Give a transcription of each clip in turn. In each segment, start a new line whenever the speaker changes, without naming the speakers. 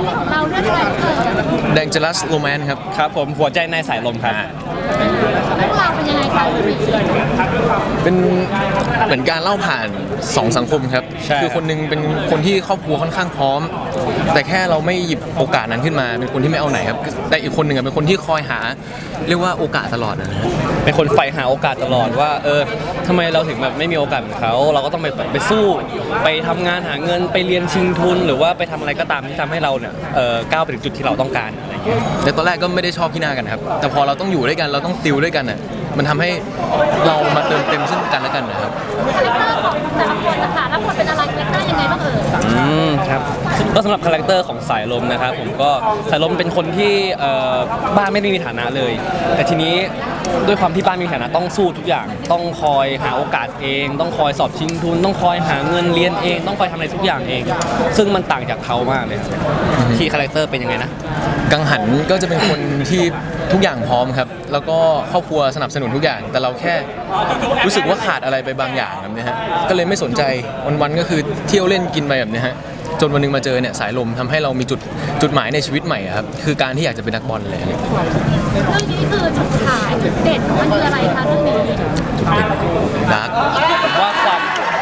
ส์ของเราเรื่องอะไรเอ่ย
Dangerous Romance ครับ
ครับผมหัวใจในสายลมครับ
เรื่องราวเป็นยังไงคะ
เป็นเหมือนการเล่าผ่าน2สังคมครับคือคนนึงเป็นคนที่ครอบครัวค่อนข้างพร้อมแต่แค่เราไม่หยิบโอกาสนั้นขึ้นมาเป็นคนที่ไม่เอาไหนครับแต่อีกคนหนึ่งเป็นคนที่คอยหาเรียกว่าโอกาสตลอดนะ
เป็นคนใฝ่หาโอกาสตลอดว่าทำไมเราถึงแบบไม่มีโอกาสเหมือนเขาเราก็ต้องไปสู้ไปทำงานหาเงินไปเรียนชิงทุนหรือว่าไปทำอะไรก็ตามที่ทำให้เราเนี่ยก้าวไปถึงจุดที่เราต้องการอะไรอย่างเงี้ย
แต่ตอนแรกก็ไม่ได้ชอบพี่หน้ากันครับแต่พอเราต้องอยู่ด้วยกันเราต้องติวด้วยกันน่ะมันทำให้เรามาเติมเต็มซึ่งกันและกันนะครับ
คาแรคเตอร์ของแต่ละคนนะคะแล้วคนเป็นอะไรคาแรคเตอร์ยังไงบ้างเอ่ย
ครับก็สำหรับคาแรคเตอร์ของสายลมนะครับผมก็สายลมเป็นคนที่บ้านไม่ได้มีฐานะเลยแต่ทีนี้ด้วยความที่บ้านมีฐานะต้องสู้ทุกอย่างต้องคอยหาโอกาสเองต้องคอยสอบชิงทุนต้องคอยหาเงินเรียนเองต้องคอยทำอะไรทุกอย่างเองซึ่งมันต่างจากเขามากเลยที่คาแรคเตอร์เป็นยังไงนะ
กังหันก็จะเป็นคนที่ทุกอย่างพร้อมครับแล้วก็ครอบครัวสนับสนุนทุกอย่างแต่เราแค่รู้สึกว่าขาดอะไรไปบางอย่างแบบนี้ฮะก็เลยไม่สนใจวันๆก็คือเที่ยวเล่นกินไปแบบนี้ฮะจนวันนึงมาเจอเนี่ยสายลมทำให้เรามีจุดหมายในชีวิตใหม่ครับคือการที่อยากจะเป็นนักบอลเลย
เรื่องนี้คือจุดขายจุดเด่นมันคืออะไรคะเรื่องนี้
ดาร์ก
ผมว่าความ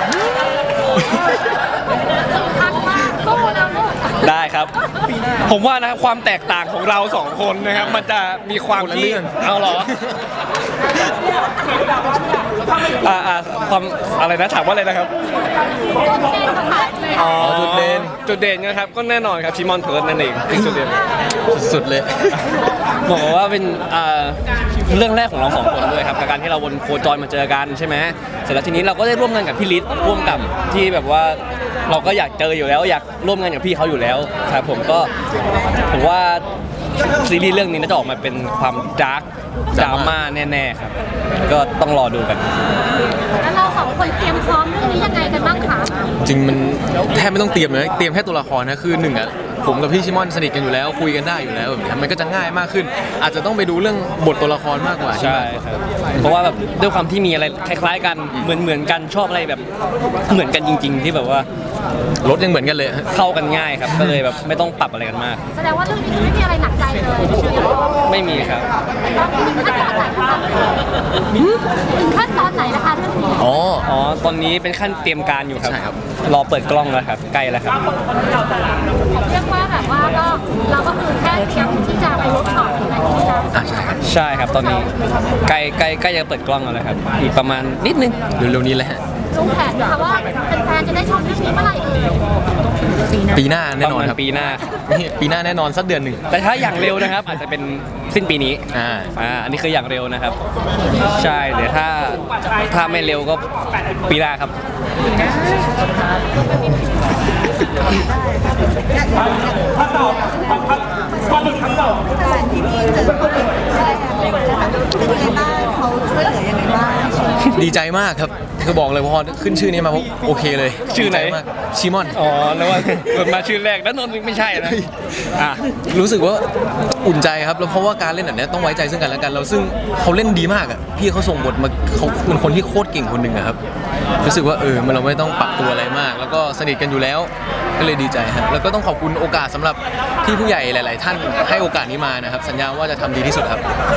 คักมากสู้แล้วลูก
ได้ครับผมว่านะครับความแตกต่างของเราสองคนนะครับมันจะมีความที่เอาเหรอความอะไรนะถามว่าอะไรนะครับจุดเด่นนะครับก็แน่นอนครับชิมอนเพิร์ดนั่นเองจุดเด่น
สุดเลย
บอกว่าเป็นเรื่องแรกของเราสองคนด้วยครับการที่เราวนโคจรมาเจอกันใช่ไหมเสร็จแล้วทีนี้เราก็ได้ร่วมงานกับพี่ฤทธิ์ร่วมกับที่แบบว่าเราก็อยากเจออยู่แล้วอยากร่วมงานกับพี่เขาอยู่แล้วครับผมว่าซีรีส์เรื่องนี้น่าจะออกมาเป็นความดาร์กดราม่าแน่ๆครับก็ต้องรอดูกัน
แล้วเราสองคนเตรียมพร้อมเรื่องนี้ยังไงกันบ้างคะ
จริงมันแทบไม่ต้องเตรียมเลยเตรียมแค่ตัวละครนะคือหนึ่งอ่ะผมกับพี่ชิมอนสนิทกันอยู่แล้วคุยกันได้อยู่แล้วแบบนี้มันก็จะง่ายมากขึ้นอาจจะต้องไปดูเรื่องบทตัวละครมากกว่า
ใช่ครับเพราะว่าแบบด้วยความที่มีอะไรคล้ายๆกันเหมือนกันชอบอะไรแบบเหมือนกันจริงๆที่แบบว่
ารถยังเหมือนกันเลย
เข้ากันง่ายครับก็เลยแบบไม่ต้องปรับอะไรกันมาก
แสดงว่าเรื่องนี้ไม่มีอะไรหนักใจเลย
ไม่มีครับ
ถึงขั้นตอนไหนนะคะเรื่องนี้
อ๋อตอนนี้เป็นขั้นเตรียมการอยู่ครับรอเปิดกล้องแล้วครับใกล้แล้วครับ
เรียกว่าแบบว่าเราก็คือแค่เตรียมที่จะไปเวิร์กช็อปอะไรอย่างเงี้ย
ใช่ครับตอนนี้ใกล้จะเปิดกล้องแล้วครับอีกประมาณนิดนึง
เร็วๆนี้แหละ
รู้แผนนะคะว่าแฟนๆจะได้ชมเรื่องนี้เมื่อไหร่
ปีหน้าแน่นอนครับ
ปีหน้า
แน่นอนสักเดือนหนึ่ง
แต่ถ้าอย่างเร็วนะครับอาจจะเป็นสิ้นปีนี้อันนี้คืออย่างเร็วนะครับใช่เดี๋ยวถ้าไม่เร็วก็ปีหน้าครับ
ดีใจมากครับคือบอกเลยพอขึ้นชื่อนี้มาโอเคเลย
ชื่อไหน
ชิมอน
แล้วว่ามาชื่อแรกแล้วนนท์ไม่ใช่นะ
รู้สึกว่าอุ่นใจครับแล้วเพราะว่าการเล่นแบบนี้ต้องไว้ใจซึ่งกันและกันแล้วซึ่งเขาเล่นดีมากอ่ะพี่เขาส่งบทมาเขาเป็นคนที่โคตรเก่งคนหนึ่งครับรู้สึกว่ามันเราไม่ต้องปรับตัวอะไรมากแล้วก็สนิทกันอยู่แล้วก็เลยดีใจครับแล้วก็ต้องขอบคุณโอกาสสำหรับที่ผู้ใหญ่หลายๆท่านให้โอกาสนี้มานะครับสัญญาว่าจะทำดีที่สุดครับ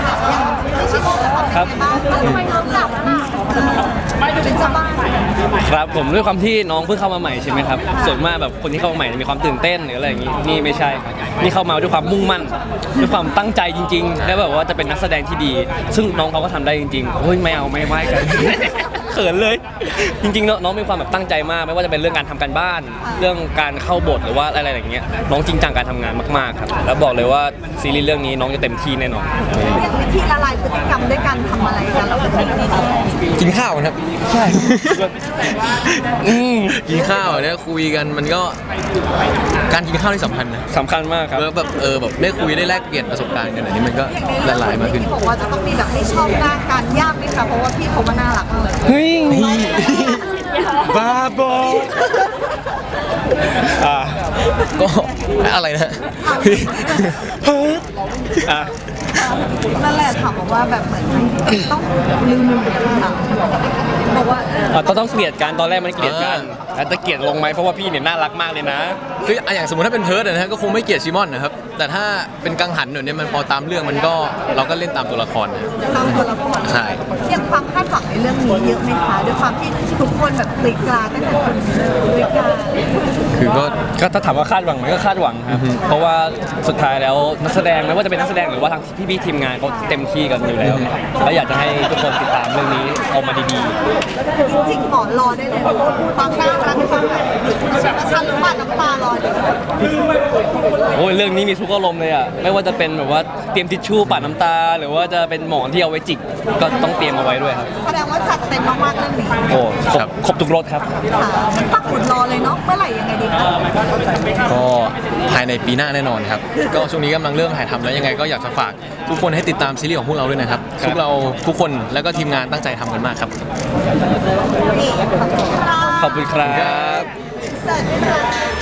ครับผมด้วยความที่น้องเพิ่งเข้ามาใหม่ใช่ไหมครับส่วนมากแบบคนที่เข้ามาใหม่มีความตื่นเต้นหรืออะไรอย่างนี้นี่ไม่ใช่นี่เข้ามาด้วยความมุ่งมั่นด้วยความตั้งใจจริงๆแล้วแบบว่าจะเป็นนักแสดงที่ดีซึ่งน้องเขาก็ทำได้จริงๆโอ้ยไม่เอาไม่ไหวกันเขินเลยจริงๆน้องมีความแบบตั้งใจมากไม่ว่าจะเป็นเรื่องการทำการบ้านเรื่องการเข้าบทหรือว่าอะไรอย่างเงี้ยน้องจริงจังการทำงานมากๆครับแล้วบอกเลยว่าซีรีส์เรื่องนี้น้องจะเต็มที่แน่นอน
วิธีละลายพฤติกรรมด้วยการทำอะไรกันเรา
กินข้าวครับ
ใช่
กินข้าวเนี่ยคุยกันมันก็การกินข้าวที่สำคัญนะ
สำคัญมากครับ
แบบแบบได้คุยได้แลกเปลี่ยนประสบการณ์กันอันนี้มันก็ละลายมากขึ้น
บอกว่าจะต้องมีแบบให้ชอบหน้าการยากไหมคะเพราะว่าพี่เขามาน่ารักเลย
เฮ้ยบ้าบอ
ก็อะไรนะ
นั่นแหละถามบอกว่าแบบเหมือนต้องลืมถามบอกว่า
ต้องเกลียดกันตอนแรกมันเกลียดกันแต่จะเกลียดลงไหมเพราะว่าพี่เนี่ยน่ารักมากเลยนะ
คืออย่างสมมติถ้าเป็นเพิร์ดนะฮะก็คงไม่เกลียดชิมอนนะครับแต่ถ้าเป็นกังหันเนี่ยมันพอตามเรื่องมันก็เราก็เล่นตามตัวละครนะ
ตามตัวละคร
ใช่
ยังความคาดหวังในเรื่องนี้เยอะไหมคะด้วยความที่ทุกคนแบบกรีดกราดตั้งแต่คนกรีดกราด
คือก็
ก็ถ้าถามว่าคาดหวังไหมก็คาดหวังครับเพราะว่าสุดท้ายแล้วนักแสดงไม่ว่าจะเป็นนักแสดงหรือว่าทางพี่ๆทีมงานเขาเต็มที่กันอยู่แล้วแล้วอยากจะให้ทุกคนติดตามเรื่องนี้ออกมาดี
จริงๆหมอรอได้เลยความน่ารักความแบบประชันน้ำตาน้ำตารอเลย
ๆโอ้ยเรื่องนี้มีทุกอารมณ์เลยอ่ะไม่ว่าจะเป็นแบบว่าเตรียมทิชชู่ปัดน้ำตา หรือว่าจะเป็นหมอนที่เอาไว้จิกก็ต้องเตรียมเอาไว้ด้วยครับ
แสดงว่าจัดเต็มมากๆเรื่องนี้
โอ้ครบทุกรสครับ
ค่ะปักหมุดรอเลยเนาะเมื่อไหร่ยังไงดีคะ
ก็ภายในปีหน้าแน่นอนครับ ก็ช่วงนี้กำลังเริ่มถ่ายทำแล้วยังไงก็อยากจะฝากทุกคนให้ติดตามซีรีส์ของพวกเราด้วยนะครับ
ครับ
พวกเราทุกคนแล้วก็ทีมงานตั้งใจทำกันมากครับ
นี่ขอบคุณค่ะ
ขอบคุณครับ
เสิร์ฟด้วยค่ะ